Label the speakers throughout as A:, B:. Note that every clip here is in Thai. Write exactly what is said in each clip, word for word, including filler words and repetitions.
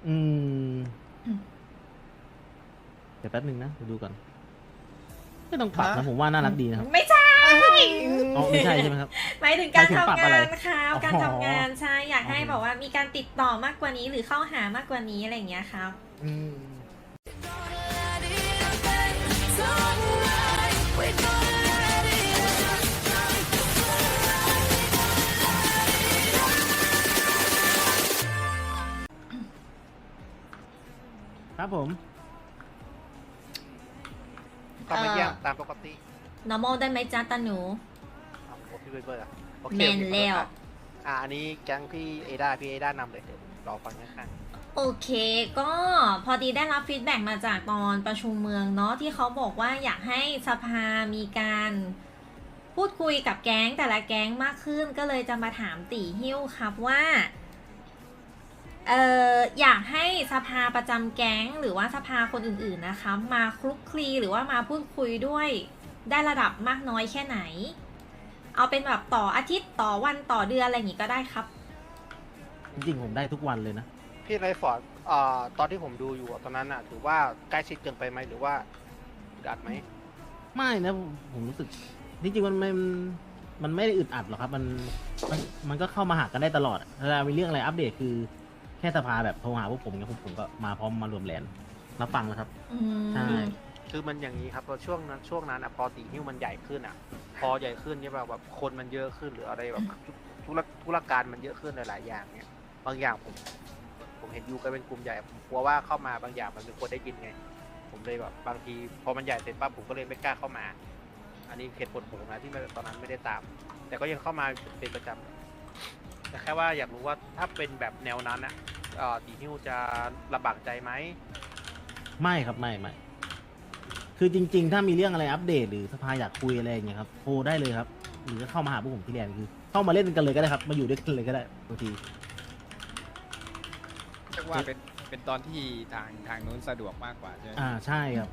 A: อืมเดี๋ยวแป๊บนึงนะดูก่อนไม่ต้องปรับนะผมว่าน่ารักดีนะครับ
B: ไม่ใช่
A: อ๋อไม่ใช่ใช่ไหมครับ
B: หมายถึงการ
A: หมายถึงปรับ
B: ทำ
A: อะไร
B: งานครับ
A: อ๋อ
B: การทำงานใช่อยากให้
A: โอเค
B: แบบว่ามีการติดต่อมากกว่านี้หรือเข้าหามากกว่านี้อะไรอย่างเงี้ยครับ
A: อืมครับผม
C: ก็มาเยี่ยมตามปกติ
B: normal ได้ไหมจ๊ะตาหนู
C: เอาโอ้พี่เบเบอร์อะโอเค
B: แมนแล้ว
C: อ่าอันนี้แก๊งพี่เอด้าพี่เอด้านำเลยเดี๋ยวรอฟังข้าง
B: โอเคก็พอดีได้รับฟีดแบ็กมาจากตอนประชุมเมืองเนาะที่เขาบอกว่าอยากให้สภามีการพูดคุยกับแก๊งแต่ละแก๊งมากขึ้นก็เลยจะมาถามตีหิ้วครับว่าเอ่ออยากให้สภาประจำแก๊งหรือว่าสภาคนอื่นๆนะคะมาคลุกคลีหรือว่ามาพูดคุยด้วยได้ระดับมากน้อยแค่ไหน เอาเป็นแบบต่ออาทิตย์ต่อวันต่อเดือนอะไรอย่างงี้ก็ได้ครับ
A: จริงๆผมได้ทุกวันเลยนะ
C: ๆพี่ไรฟอร์ดอ่าตอนที่ผมดูอยู่อะตอนนั้นอะถือว่าใกล้ชิดเกินไปไหมหรือว่าดัดไหม
A: ไม่นะผมผมรู้สึกจริงๆมันไม่มันไม่ได้อึดอัดหรอกครับ มันมันมันก็เข้ามาหากันได้ตลอดเวลามีเรื่องอะไรอัปเดตคือแค่สภาแบบโทรหาพวกผมเนี่ยพวกผมก็มาพร้อมมารวมแลนรับฟังแล้วครับ
B: อื
A: ใช่
B: ม
C: คือมันอย่างนี้ครับพอช่วงนั้นช่วงนั้นอะพอตีนิ้วมันใหญ่ขึ้นอะพอใหญ่ขึ้นเนี่ยแบบแบบคนมันเยอะขึ้นหรืออะไรแบบธุรธุรการมันเยอะขึ้นหลายๆอย่างเนี่ยบางอย่างผมผมเห็นอยู่กันเป็นกลุ่มใหญ่ผมกลัวว่าเข้ามาบางอย่างมันเป็นคนได้ยินไง ผมเลยแบบบางทีพอมันใหญ่เสร็จปั๊บผมก็เลยไม่กล้าเข้ามา อันนี้เหตุผลผมนะที่ไม่ตอนนั้นไม่ได้ตาม แต่ก็ยังเข้ามาเป็นประจำแต่แค่ว่าอยากรู้ว่าถ้าเป็นแบบแนวนั้นอะเอ่อตีนิ้วจะลำบากใจไหม
A: ไม่ครับไม่ไม่คือจริง ๆ ถ้ามีเรื่องอะไรอัปเดตหรือสภาอยากคุยอะไรอย่างเงี้ยครับโทรได้เลยครับ หรือก็เข้ามาหาพวกผมที่แลนด์คือ เข้ามาเล่นกันเลยก็ได้ครับมาอยู่ด้วยกันเลยก็ได้บางที
D: เรียกว่าเป็นเป็นตอนที่ทางทางนู้นสะดวกมากกว่าใช่ไหม
A: อ่าใช่ครับ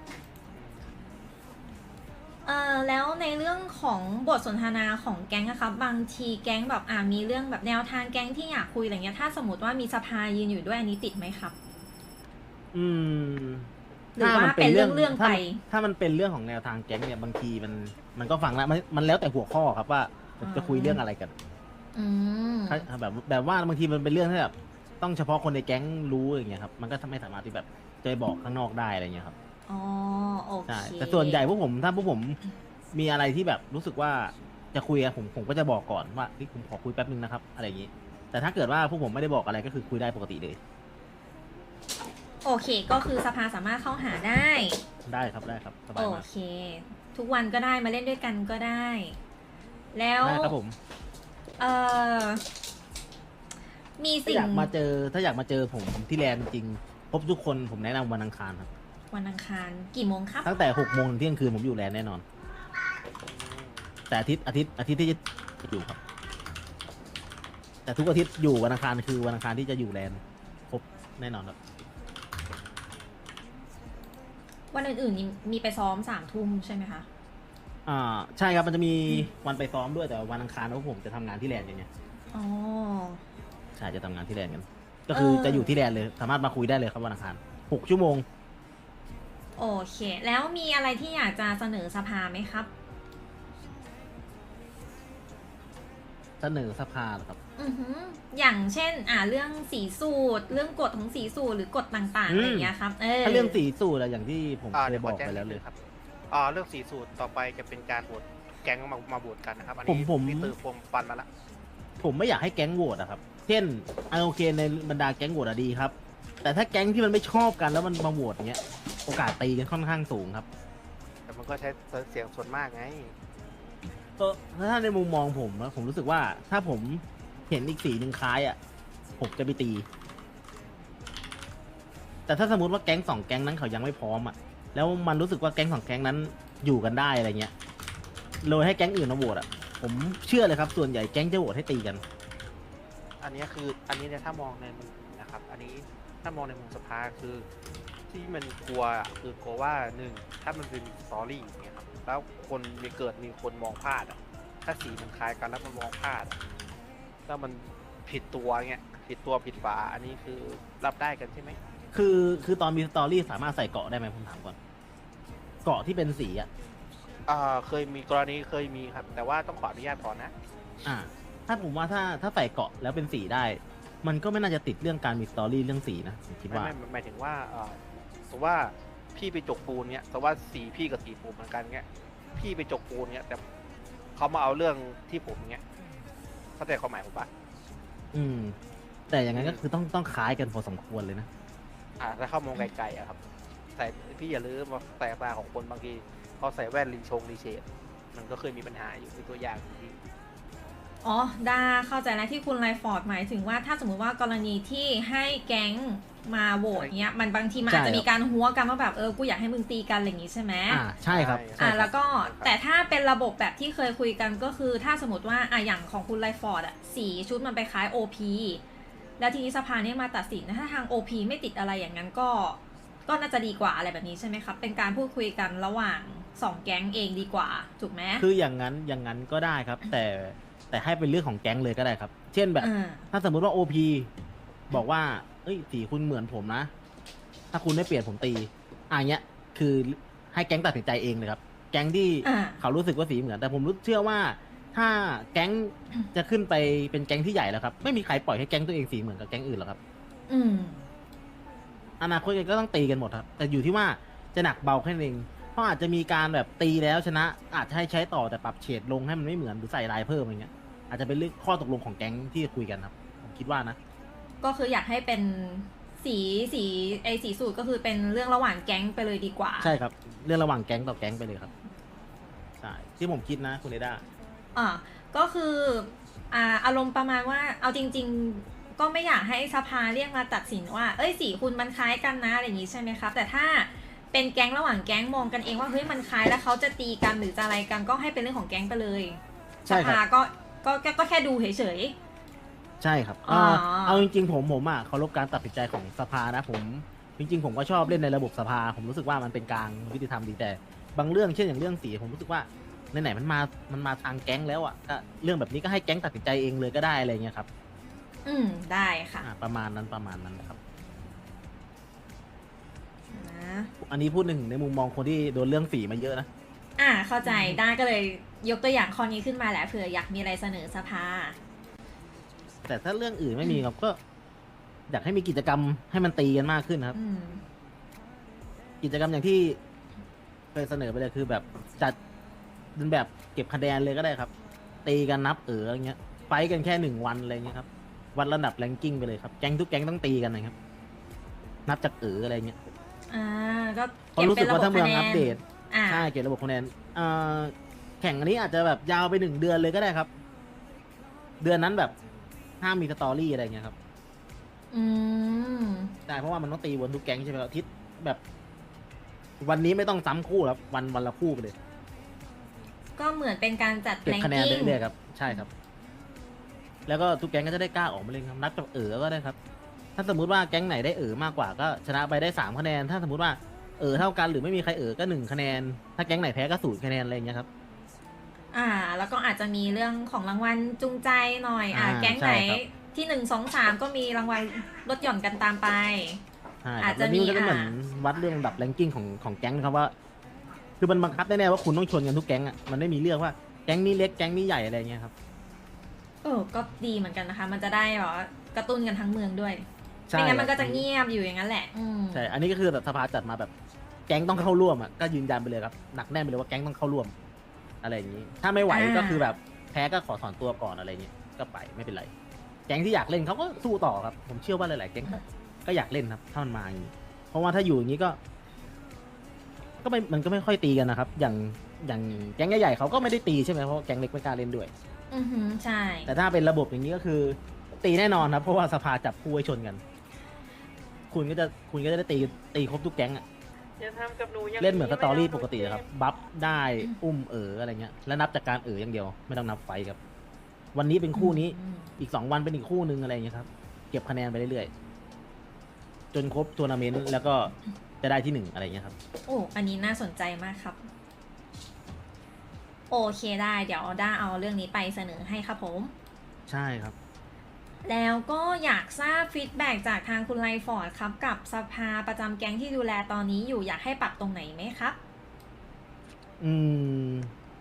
B: เออแล้วในเรื่องของบทสนทนาของแก๊งอะครับบางทีแก๊งแบบอ่ามีเรื่องแบบแนวทางแก๊งที่อยากคุยอะไรเงี้ยถ้าสมมติว่ามีสภายืนอยู่ด้วยอันนี้ติดไหมครับ
A: อืม
B: หรือว่าเป็นเรื่องเรื่องไป
A: ถ้าถ้ามันเป็นเรื่องของแนวทางแก๊งเนี่ยบางทีมันมันก็ฟังแล้วมันมันแล้วแต่หัวข้อครับว่าจะคุยเรื่องอะไรกัน
B: อืม
A: ถ้าแบบแบบว่าบางทีมันเป็นเรื่องที่แบบต้องเฉพาะคนในแก๊งรู้อย่างเงี้ยครับมันก็ไม่สามารถที่แบบจะไปบอกข้างนอกได้อะไรเงี้ยครับ
B: อ๋อโอเค
A: ใช่แต่ส่วนใหญ่พวกผมถ้าพวกผมมีอะไรที่แบบรู้สึกว่าจะคุยอะผมผมก็จะบอกก่อนว่าเฮ้ยผมขอคุยแป๊บนึงนะครับอะไรอย่างงี้ แต่ถ้าเกิดว่าพวกผมไม่ได้บอกอะไรก็คือคุยได้ปกติเลย
B: โอเคก็คือสภาสามารถเข้าหาได้
A: ได้ครับได้ครับสบา
B: โอย
A: มาก
B: เค ทุกวันก็ได้มาเล่นด้วยกันก็ได้ แล้ว
A: ได้ครับผม
B: เออมี
A: ถ้า
B: สิ่
A: อง ยากมาเจอถ้าอยากมาเจอผมที่แลนด์จริงพบทุกคนผมแนะนำวันอังคารครับ
B: วันอังคารกี่โมงครับ
A: ตั้งแต่หกโมงถึงเที่ยงคืนผมอยู่แลนด์แน่นอน แต่อาทิตย์อาทิตย์อาทิตย์ที่จะอยู่ครับ แต่ทุกอาทิตย์อยู่วันอังคารคือวันอังคารที่จะอยู่แลนด์ครบแน่นอนครับ
B: วันอื่นๆนี่มีไปซ้อมสามทุ่มใช่ไหมคะ
A: อ่าใช่ครับมันจะมีวันไปซ้อมด้วยแต่วันอังคารพวกผมจะทำงานที่แลนด์อย่างเงี้ย
B: อ๋อ
A: ใช่จะทำงานที่แลนด์กัน ก็คือ
B: เออ
A: จะอยู่ที่แลนด์เลยสามารถมาคุยได้เลยครับวันอังคารหกชั่วโมง
B: โอเค แล้วมีอะไรที่อยากจะเสนอสภาไหมครับ
A: เสนอสภาเหรอครับ
B: อือหืออย่างเช่น อ่าเรื่องสีสูตร เรื่องกฎของสีสูตรหรือกฎต่างๆ
A: อืม
B: อะไรอย่างเงี้ยครับเออ
A: ถ้าเรื่องสีสูตรอะอย่างที่ผม
C: อ่า
A: เคย
C: เดี๋ยว
A: บ
C: ขอ
A: อก
C: แจ้ง
A: ไป
C: นิ
A: แล้
C: ด
A: วเล
C: นึ
A: ย
C: งครับอ่าเรื่องสีสูตรต่อไปจะเป็นการโหวตแก๊งมามาโหวตกันนะครับ อัน
A: ผม
C: นี้
A: ผม
C: พี่ตือผมปันมาละ
A: ผมไม่อยากให้แก๊งโหวตอะครับ เช่นอ่ะโอเคในบรรดาแก๊งโหวตอะดีครับ แต่ถ้าแก๊งที่มันไม่ชอบกันแล้วมันมาโหวตอย่างเงี้ย โอกาสตีกันค่อนข้างสูงครับ
C: แต่มันก็ใช้เสียงส่วนมากไง
A: ก็ถ้าในมุมมองผมนะผมรู้สึกว่าถ้าผมเห็นอีกสีหนึ่งคล้ายอ่ะผมจะไปตี แต่ถ้าสมมติว่าแก๊งสองแก๊งนั้นเขายังไม่พร้อมอ่ะแล้วมันรู้สึกว่าแก๊งสองแก๊งนั้นอยู่กันได้อะไรเงี้ยโดยให้แก๊งอื่นมาโหวตอ่ะผมเชื่อเลยครับส่วนใหญ่แก๊งจะโหวตให้ตีกัน
C: อันนี้คืออันนี้เนี่ยถ้ามองในมุมนะครับ อันนี้ถ้ามองในมุมสภาคือที่มันกลัวอะคือกลัวว่าหนึ่งถ้ามันเป็นสตอรี่อย่างเงี้ยครับแล้วคนมีเกิดมีคนมองพลาดอ่ะถ้าสีมันคล้ายกันแล้วมันมองพลาดอะแล้วมันผิดตัวเงี้ยผิดตัวผิดฝาอันนี้คือรับได้กันใช่ไหม
A: คือคือตอนมีสตอรี่สามารถใส่เกาะได้ไหมผมถามก่อนเกาะที่เป็นสีอ่ะ
C: อ่าเคยมีกรณีเคยมีครับ แต่ว่าต้องขออนุญาตก่อนนะ
A: อ่า ถ้าผมว่าถ้าถ้าใส่เกาะแล้วเป็นสีได้ มันก็ไม่น่าจะติดเรื่องการมีสตอรี่เรื่องสีนะผมคิด
C: ไม่
A: ว่า
C: ไม่หมายถึงว่าเอ่อสมมติว่าพี่ไปจกปูนเนี้ยแต่ว่าสีพี่กับสีผมเหมือนกันเงี้ยพี่ไปจกปูนเนี้ยแต่เขามาเอาเรื่องที่ผมเงี้ยเข้าใจความหมายผมปะ
A: อืม แต่อย่างนั้นก็คือต้องต้องคล้ายกันพอสมควรเลยนะ
C: อ่าถ้าเข้ามองไกลๆอะครับใส่พี่อย่าลืมว่าสายตาของคนบางทีเขาใส่แว่นลินชงรีเชดมันก็เคยมีปัญหาอยู่เป็นตัวอย่างที่
B: อ๋อดาเข้าใจแล้วที่คุณไลฟอร์ดหมายถึงว่าถ้าสมมุติว่ากรณีที่ให้แก๊งมาโหวตเนี้ยมันบางทีมัน
A: ใช่
B: อาจจะมีการหัวกันว่าแบบเออกูอยากให้มึงตีกันอะไรอย่างงี้ใช่ไหม
A: อ่าใช่ครับ
C: ใช่
A: ใช่
B: อ่า
A: ครับ
B: แล้วก็แต่ถ้าเป็นระบบแบบที่เคยคุยกันก็คือถ้าสมมติว่าอ่ะอย่างของคุณไลฟอร์ดอ่ะสีชุดมันไปคล้าย โอ พี แล้วทีนี้สภาเนี่ยมาตัดสินนะถ้าทาง โอ พี ไม่ติดอะไรอย่างนั้นก็ก็น่าจะดีกว่าอะไรแบบนี้ใช่ไหมครับเป็นการพูดคุยกันระหว่างสองแก๊งเองดีกว่าถูกไหม
A: คืออย่างนั้นอย่างนั้นก็ได้ครับ แต่แต่ให้เป็นเรื่องของแก๊งเลยก็ได้ครับ เช่นแบบ
B: อ่า
A: ถ้าสมมุติว่า โอ พี บอกว่าเอ้ยสีคุณเหมือนผมนะ ถ้าคุณไม่เปลี่ยนผมตีอ่ะเงี้ยคือให้แก๊งตัดสินใจเองเลยครับ แก๊งที่
B: อ่า
A: เขารู้สึกว่าสีเหมือน แต่ผมรู้เชื่อว่า ถ้าแก๊งจะขึ้นไปเป็นแก๊งที่ใหญ่แล้วครับ ไม่มีใครปล่อยให้แก๊งตัวเองสีเหมือนกับแก๊งอื่นหรอกครับ
B: อืม
A: อนาคตก็ต้องตีกันหมดครับ แต่อยู่ที่ว่าจะหนักเบาแค่นั้นเองเพราะอาจจะมีการแบบตีแล้วชนะ อาจจะให้ใช้ต่อแต่ปรับเฉดลงให้มันไม่เหมือนหรือใส่ลายเพิ่มอะไรเงี้ย อาจจะเป็นเรื่องข้อตกลงของแก๊งที่คุยกันครับ ผมคิดว่านะ
B: ก็คืออยากให้เป็นสีสีไอสีสูตรก็คือเป็นเรื่องระหว่างแก๊งไปเลยดีกว่า
A: ใช่ครับ เรื่องระหว่างแก๊งต่อแก๊งไปเลยครับใช่ที่ผมคิดนะคุณเอด้า
B: อ่าก็คืออ่าอารมณ์ประมาณว่าเอาจริง ๆ ก็ไม่อยากให้สภาเรียกมาตัดสินว่าเอ้ยสีคุณมันคล้ายกันนะอะไรอย่างนี้ใช่ไหมครับแต่ถ้าเป็นแก๊งระหว่างแก๊งมองกันเองว่าเฮ้ยมันคล้ายแล้วเขาจะตีกันหรือจะอะไรกันก็ให้เป็นเรื่องของแก๊งไปเลย
A: ใช่
B: ส
A: ครับ
B: ภาก็ก็ก็ก็แค่ดูเฉย
A: ใช่ครับ
B: อ๋อ
A: เอ่อเอาจริงๆผมผมอ่ะเคารพการตัดสินใจของสภานะผมจริง ๆ ผมก็ชอบเล่นในระบบสภา ผมรู้สึกว่ามันเป็นกลางยุติธรรมดีแต่บางเรื่องเช่นอย่างเรื่องสีผมรู้สึกว่าไหนๆมันมามันมาทางแก๊งแล้วอ่ะก็เรื่องแบบนี้ก็ให้แก๊งตัดสินใจเองเลยก็ได้อะไรเงี้ยครับ
B: ๆอืมได้ค่ะ
A: อ่าประมาณนั้นประมาณนั้นนะครับ
B: นะ
A: อันนี้พูดหนึ่งในมุมมองคนที่โดนเรื่องสีมาเยอะนะ
B: อ่าเข้าใจได้ก็เลยยกตัวอย่างข้อนี้ขึ้นมาแหละเผื่ออยากมีอะไรเสนอสภา
A: แต่ถ้าเรื่องอื่นไม่มีครับก็ อยากให้มีกิจกรรมให้มันตีกันมากขึ้นครับ
B: อืม
A: กิจกรรมอย่างที่เคยเสนอไปเลยคือแบบจัดเป็นแบบเก็บคะแนนเลยก็ได้ครับ ตีกันนับเอออะไรเงี้ยไฟท์กันแค่หนึ่งวันอะไรเงี้ยครับวัดระดับแรงกิ้งไปเลยครับแก๊งทุกแก๊งต้องตีกันนะครับ นับจากเอออะไรเงี้ย
B: อ่าก็
A: เพราะรู้สึกว่าถ้าเมืองอัปเดต
B: อ่า
A: ใช่เกี่ยวกับระบบคะแนนเอ่อแข่งอันนี้อาจจะแบบยาวไปหนึ่งเดือนเลยก็ได้ครับ เดือนนั้นแบบห้ามมีสตอรี่อะไรเงี้ยครับ
B: อืม
A: ใช่เพราะว่ามันต้องตีวนทุกแก๊งใช่ไหมครับอาทิตย์แบบ วันนี้ไม่ต้องซ้ำคู่แล้ววันวันละคู่ไปเลย
B: ก็เหมือนเป็นการจัด
A: เก็บ
B: แรง
A: คะแนน
B: กิ้ง
A: เรื่อยๆครับใช่ครับ แล้วก็ทุกแก๊งก็จะได้กล้าออกมาเล่นครับนับจากเออก็ได้ครับ ถ้าสมมุติว่าแก๊งไหนได้เออมากกว่าก็ชนะไปได้สามคะแนน ถ้าสมมติว่าเออเท่ากันหรือไม่มีใครเออก็หนึ่งคะแนน ถ้าแก๊งไหนแพ้ก็ศูนย์คะแนนอะไรอย่างเงี้ยครับ
B: อ่า แล้วก็อาจจะมีเรื่องของรางวัลจูงใจหน่อย อ่า
A: อ่า
B: แก๊งไหน
A: ใช่ครับ
B: ที่หนึ่งสองสามก็มีรางวัลลดหย่อนกันตามไป
A: ใช่ค
B: อา
A: รั
B: จ
A: บ
B: จะ
A: แล้วนี่มันก็
B: มี
A: จะเหมือน
B: อ่า
A: วัดเรื่องระดับแรงกิ้งของของแก๊งนะครับว่า คือมันบังคับแน่ๆว่าคุณต้องชนกันทุกแก๊งอ่ะมันไม่มีเรื่องว่าแก๊งนี้เล็กแก๊งนี้ใหญ่อะไรเงี้ยครับ
B: เออ ก็ดีเหมือนกันนะคะ มันจะได้แบบว่ากระตุ้นกันทั้งเมืองด้วย
A: ใช่
B: ไม่งั้นมัน
A: ค
B: ก็
A: รับ
B: จะเงียบอยู่อย่างนั้นแหละ อืม
A: ใช่ อันนี้ก็คือแบบสภาจัดมาแบบแก๊งต้องเข้าร่วมอ่ะ ก็ยืนยันไปเลยครับ หนักแน่นไปเลยว่าแก๊งต้องเข้าร่วม อะไรอย่างนี้ ถ้าไม่ไหว
B: อ่า
A: ก็คือแบบแพ้ก็ขอถอนตัวก่อนอะไรเงี้ย ก็ไปไม่เป็นไร แก๊งที่อยากเล่นเขาก็สู้ต่อครับ ผมเชื่อว่าหลายๆแก๊งก็ก็อยากเล่นครับถ้ามันมาอย่างนี้ เพราะว่าถ้าอยู่อย่างนี้ก็ ก็ไม่ มันก็ไม่ค่อยตีกันนะครับ อย่าง อย่างแก๊งใหญ่ๆเขาก็ไม่ได้ตีใช่ไหมเพราะแก๊งเล็กไม่กล้าเล่นด้วย
B: อือหือใช่
A: แต่ถ้าเป็นระบบอย่างนี้ก็คือ ตีแน่นอนครับ เพราะว่าสภาจับคู่ไว้ชนกัน คุณก็จะคุณก็จะได้ตีตีครบทุกแก๊งอะ
E: อย่าทำกับหนูอย่าง
A: เล่นเหมือนสตอรี่ปกติ
E: ไม่
A: นะค
E: ได้
A: รับ บัฟได้อุ้มเอ๋ออะไรเงี้ย แล้วนับจากการเอ๋ออย่างเดียว ไม่ต้องนับไฟท์ครับ วันนี้เป็นคู่นี้
B: อืม
A: อีกสองวันเป็นอีกคู่หนึ่งอะไรเงี้ยครับ เก็บคะแนนไปเรื่อยๆ จนครบทัวร์นาเมนต์แล้วก็จะได้ที่หนึ่งอะไรเงี้ยครับ
B: โอ้ อันนี้น่าสนใจมากครับ โอเคได้ เดี๋ยวด้าเอาเรื่องนี้ไปเสนอให้ครับผม
A: ใช่ครับ
B: แล้วก็อยากทราบฟีดแบ็กจากทางคุณไลฟอร์ดครับกับสภาประจำแก๊งที่ดูแลตอนนี้อยู่อยากให้ปรับตรงไหนไหมครับ
A: อืม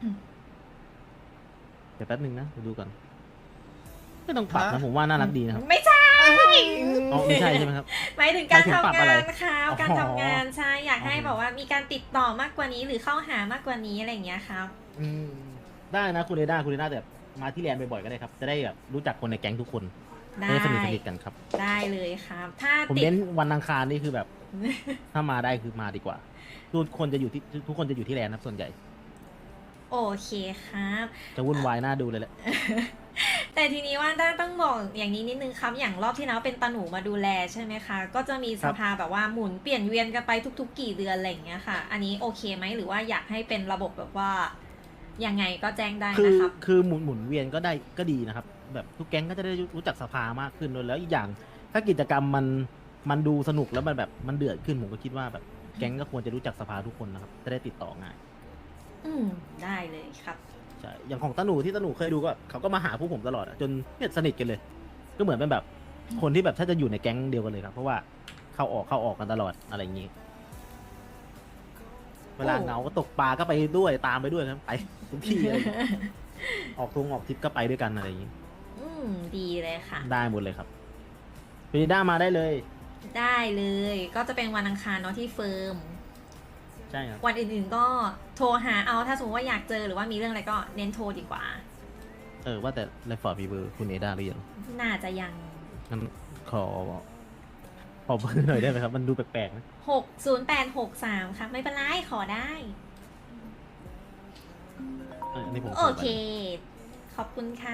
A: เดี๋ยวแป๊บนึงนะเดี๋ยวดูก่อนไม่ต้องปรับนะผมว่าน่ารักดีนะครับ
B: ไม่ใช่
A: อ๋อไม่ใช่ใช่ไหมครับ
B: หมายถึงการ
A: หมายถึง
B: ทำ
A: ปรับ
B: งา
A: อะไร
B: นครับ
A: อ๋อ
B: การทำงานใช่อยากให้
A: โอเค
B: แบบว่ามีการติดต่อมากกว่านี้หรือเข้าหามากกว่านี้อะไรอย่างเงี้ยครับ
A: อืมได้นะคุณเอด้าคุณเอด้าแต่มาที่แลนด์บ่อยๆก็ได้ครับ จะได้แบบรู้จักคนในแก๊งทุกคน
B: ได้
A: จะได้สนิทสนิทกันครับ
B: ได้เลยครับ ถ้า
A: ผม
B: ติด
A: เน้นวันอังคารนี่คือแบบ ถ้ามาได้คือมาดีกว่า ทุกคนจะอยู่ที่ทุกคนจะอยู่ที่แลนด์นะครับส่วนใหญ่
B: โอเคครับ
A: จะวุ่นวายน่าดูเลยแหละ
B: แต่ทีนี้ว่าด้านต้องบอกอย่างนี้นิดนึงครับ อย่างรอบที่แล้วเป็นตาหนูมาดูแลใช่ไหมคะ ก็จะมีสภาแบบว่าหมุนเปลี่ยนเวียนกันไปทุก ๆ กี่เดือนอะไรอย่างเงี้ยค่ะ อันนี้โอเคไหมหรือว่าอยากให้เป็นระบบแบบว่ายังไงก็แจ้งได้
A: คือ
B: นะครับ
A: คือหมุนหมุนเวียนก็ได้ก็ดีนะครับ แบบทุกแก๊งก็จะได้รู้จักสภามากขึ้นด้วยแล้วอีกอย่าง ถ้ากิจกรรมมันมันดูสนุกแล้วมันแบบมันเดือดขึ้นผมก็คิดว่าแบบแก๊งก็ควรจะรู้จักสภาทุกคนนะครับจะได้ติดต่อง่าย
B: อืมได้เลยครับ
A: ใช่อย่างของตาหนูที่ตาหนูเคยดูก็เขาก็มาหาพวกผมตลอดอะจนเนี่ยสนิทกันเลย ก็เหมือนเป็นแบบคนที่แบบถ้าจะอยู่ในแก๊งเดียวกันเลยครับ เพราะว่าเข้าออกเข้าออกกันตลอดอะไรอย่างนี้ เวลาเหงาก็ตกปลาก็ไปด้วยตามไปด้วยครับไปทุกที่เลยออกทงออกทริปก็ไปด้วยกันอะไรอย่างนี้
B: อืมดีเลยค่ะ
A: ได้หมดเลยครับเฟรด้ามาได้เลย
B: ได้เลยก็จะเป็นวันอังคารเนาะที่เฟิร์ม
A: ใช่ครับ
B: วันอื่นๆก็โทรหาเอาถ้าสมมติว่าอยากเจอหรือว่ามีเรื่องอะไรก็เน้นโทรดีกว่า
A: เออว่าแต่ไลฟอร์ดมีเบอร์คุณเอด้าหรือยัง
B: น่าจะยัง
A: งั้นขอขอเบอร์หน่อยได้ไหมครับ มันดูแปลกๆนะ
B: หกศูนย์แปดหกสามครับไม่เป็นไรขอได้
A: เอออันนี้ผม
B: โอ
A: ขอไป
B: เค ขอบคุณค่ะ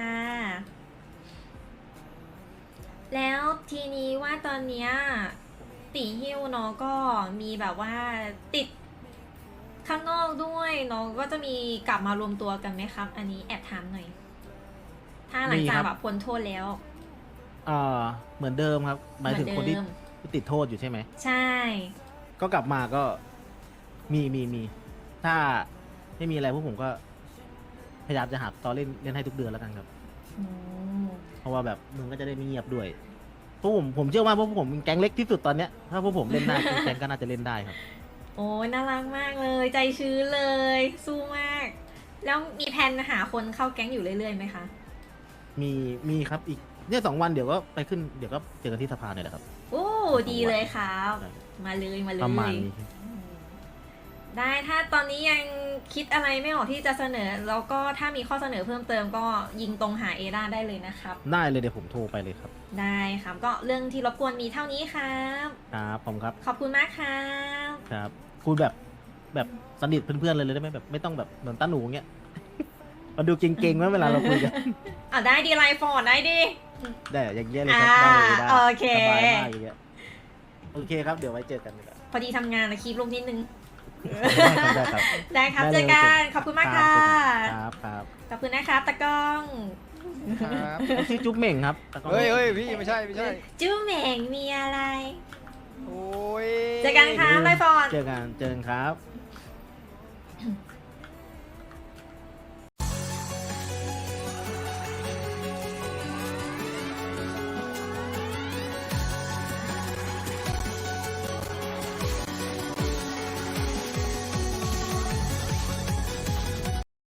B: แล้วทีนี้ว่าตอนเนี้ยตีฮิ้วเนาะก็มีแบบว่าติดข้างนอกด้วยเนาะก็จะมีกลับมารวมตัวกันไหมครับ อันนี้แอบถามหน่อย ถ้าหลังจากแบบพ้นโทษแล้ว
A: เอ่อเหมือนเดิมครับหมายถึงคนที่
B: เหมือนเดิม
A: ติดโทษอยู่ใช่ไหม
B: ใช่
A: ก็กลับมาก็มีมีมี ถ้าไม่มีอะไรพวกผมก็ พยายามจะหาตอนเล่นเล่นให้ทุกเดือนแล้วกันครับ
B: อืม
A: เพราะว่าแบบมึงก็จะได้ไม่เงียบด้วยพวกผมผมเชื่อว่าพวกผมเป็นแก๊งเล็กที่สุดตอนเนี้ยถ้าพวกผมเล่นได้ แก๊งก็น่าจะเล่นได้ครับ
B: โอ้ยน่ารักมากเลย ใจชื้นเลย สู้มาก แล้วมีแผนหาคนเข้าแก๊งอยู่เรื่อยๆไหมคะ
A: มีมีครับอีกเนี่ยสองวันเดี๋ยวก็ไปขึ้นเดี๋ยวก็เจอกันที่สภาเนี่ยแหละครับ
B: โอ้ดีเลยครับ
A: ใช่
B: มาเลยมาเลย
A: ประมาณนี้
B: อืมได้ถ้าตอนนี้ยังคิดอะไรไม่ออกที่จะเสนอ แล้วก็ถ้ามีข้อเสนอเพิ่มเติมก็ยิงตรงหาเอด้าได้เลยนะครับ
A: ได้เลยเดี๋ยวผมโทรไปเลยครับ
B: ได้ครับ ก็เรื่องที่รบกวนมีเท่านี้ครับ
A: ครับผมครับ
B: ขอบคุณมากครับ
A: ครับคุยแบบแบบสนิทเพื่อนๆเลยเลยได้ไหมแบบไม่ต้องแบบเหมือนต้าหนูเงี้ย มันดูเก่งๆไหมเวลาเราคุยกัน
B: อ่ะได้ดีไลฟ์ฟอร์ดได้ดี
A: ได้อย่างเงี้ยเลยครับได้เลยได้
B: อ่าโอเค
A: สบายมากอย่างเงี้ยโอเคครับเดี๋ยวไว้เจอกันเลยครับ
B: พอดีทำงานนะคีบลงนิดนึง
A: ได้ครับ
B: ได้ครับ
A: ได้
B: เจ
A: เลย
B: อกัน ขอบคุณมากค่ะ
A: ครับครับ
B: ขอบคุณนะครับตะกล้อง
D: ครับ
A: เขาชื่อจุ๊บเหม่งครับแต่ก็
D: เฮ้ยเฮ้ยพี่ไม่ใช่ไม่ใช่
B: จู้เหม่งมีอะไร
D: โอ้ย
B: เจอกันครับไลฟ์ฟอร์ด
A: เจอกันเจอกันครับ